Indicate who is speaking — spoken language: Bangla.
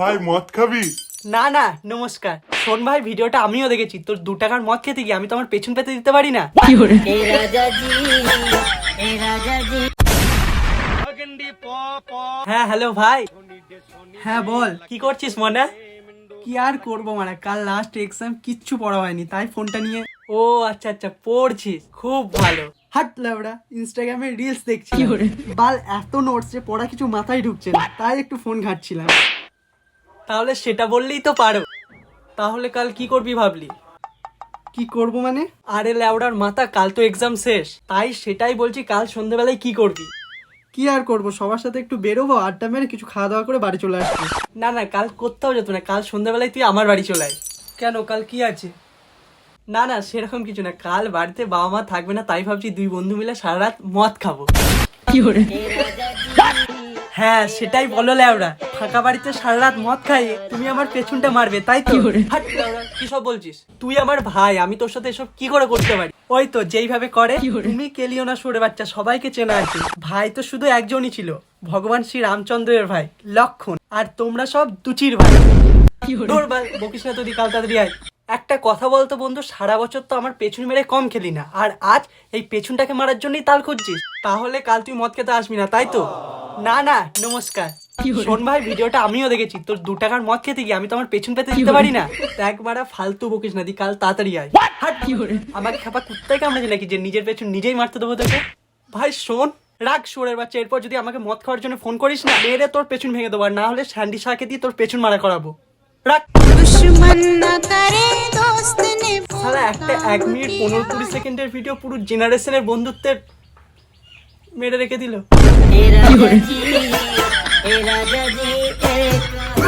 Speaker 1: ভাই মদ খাবি?
Speaker 2: না না নমস্কার। শোন ভাই, ভিডিওটা আমিও দেখেছি। তোর 2 টাকার মদ খেতে গিয়ে আমি তো আমার পেছন পেতে দিতে পারি না। হ্যাঁ হ্যালো ভাই।
Speaker 3: হ্যাঁ বল।
Speaker 2: কি করছিস মনে?
Speaker 3: কি আর করবো মানে, কাল লাস্ট এক্সাম, কিচ্ছু পড়া হয়নি, তাই ফোনটা নিয়ে।
Speaker 2: ও আচ্ছা আচ্ছা, পড়ছিস, খুব ভালো।
Speaker 3: হাট লেবড়া, ইনস্টাগ্রামে রিলস দেখছি। বাল এত নোটস যে পড়া কিছু মাথায় ঢুকছে না, তাই একটু ফোন ঘাটছিলাম।
Speaker 2: তাহলে সেটা বললেই তো পারো। তাহলে কাল কি করবি ভাবলি?
Speaker 3: কি করব মানে?
Speaker 2: আরে ল্যাওড়ার মাথা, কাল তো এক্সাম শেষ, তাই সেটাই বলছি, কাল সন্ধ্যাবেলায় কি করবি?
Speaker 3: কি আর করব, সবার সাথে একটু বেরোবো, আড্ডা মেরে কিছু খাওয়া দাওয়া করে বাড়ি চলে আসবো।
Speaker 2: না না, কাল কোথাও যেত না, কাল সন্ধ্যাবেলায় তুই আমার বাড়ি চলে আয়। কেন, কাল কি আছে? না না সেরকম কিছু না, কাল বাড়িতে বাবা মা থাকবে না, তাই ভাবছি 2 বন্ধু মিলে সারা রাত মদ খাবো। হ্যাঁ সেটাই বলো ল্যাওড়া, ফাঁকা বাড়িতে সারা রাত মদ খাইয়ে তুমি আমার পেছনটা মারবে, তাই তো? হাট ল্যাওড়া, কি সব বলছিস? তুই আমার ভাই, আমি তোর সাথে এসব কি করে করতে পারি? ওই তো যেইভাবে করে। তুমি কেলিও না সরে বাচ্চা, সবাইকে চেনা আছে। ভাই তো শুধু একজনই ছিল, ভগবান শ্রী রামচন্দ্রের ভাই লক্ষণ। আর তোমরা সব দুচির ভাই। বকিস না, তুই কাল তাড়াতাড়ি আয়। একটা কথা বলতো বন্ধু, সারা বছর তো আমার পেছন মেরে কম খেলি না, আর আজ এই পেছনটাকে মারার জন্যই তাল খুঁজছিস? তাহলে কাল তুই মদ খেতে আসবি না, তাই তো? না না নমস্কার। শোন ভাই, ভিডিওটা আমিও দেখেছি। তোর 2 টাকার মদ খেতে গিয়ে আমি তো আমার পেছন পেতে দিতে পারি না। একবারা ফালতু বকিস না, দি কাল তাড়াতাড়ি আয়। হাট, আমাকে খাপা কুত্তায় কামড়েছে নাকি যে নিজের পেছন নিজেই মারতে দেবো তোকে? ভাই শোন, রাগ শোরের বাচ্চা, এরপর যদি আমাকে মদ খাওয়ার জন্য ফোন করিস না, মেরে তোর পেছন ভেঙে দেবো, আর না হলে স্যান্ডি শাকে দিয়ে তোর পেছন মারা করাবো। রাখ। শালা একটা 1 মিনিট 15-20 সেকেন্ডের ভিডিও পুরো জেনারেশনের বন্ধুত্বের মেরে রেখে দিল।